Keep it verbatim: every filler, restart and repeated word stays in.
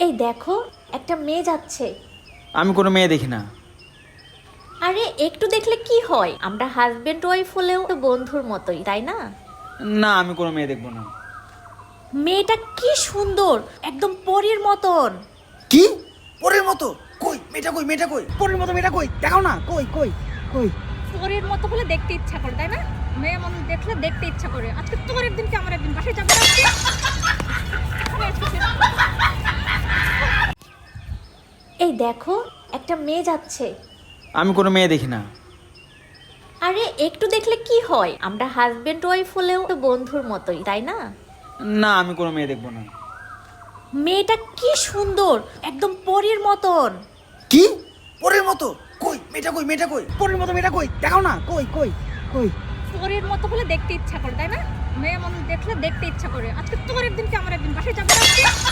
এই দেখো, একটা মেয়ে যাচ্ছে। আমি কোনো মেয়ে দেখি না। আরে একটু দেখলে কি হয়, আমরা হাজবেন্ড ওয়াইফ হলেও তো বন্ধুর মতোই, তাই না? না, আমি কোনো মেয়ে দেখবো না। মেয়েটা কি সুন্দর, একদম পরীর মতন। কি? পরের মতো? কই মেয়েটা, কই মেয়েটা, কই পরের মতো মেয়েটা, কই দেখাও না, কই কই কই। পরীর মতো বলে দেখতে ইচ্ছা করে, তাই না? মেয়ে মানুষ দেখলে দেখতে ইচ্ছা করে। আজকে তোর একদিন কি আমার একদিন, বাসায় যাবে না আজকে? এই দেখো, একটা মেয়ে যাচ্ছে। আমি কোনো মেয়ে দেখি না। আরে একটু দেখলে কি হয়, আমরা হাজবেন্ড ওয়াইফ হলেও তো বন্ধুর মতোই, তাই না? না, আমি কোনো মেয়ে দেখবো না। মেয়েটা কি সুন্দর, একদম পরীর মতন। কি? পরের মতো? কই মেয়েটা, কই মেয়েটা, কই পরের মতো মেয়েটা, কই দেখাও না, কই কই কই। পরীর মতো বলে দেখতে ইচ্ছা করে, তাই না? মেয়ে মানুষ দেখলে দেখতে ইচ্ছা করে। আজকে তোর একদিন কি আমার একদিন, বাসায় যাবে না আজকে?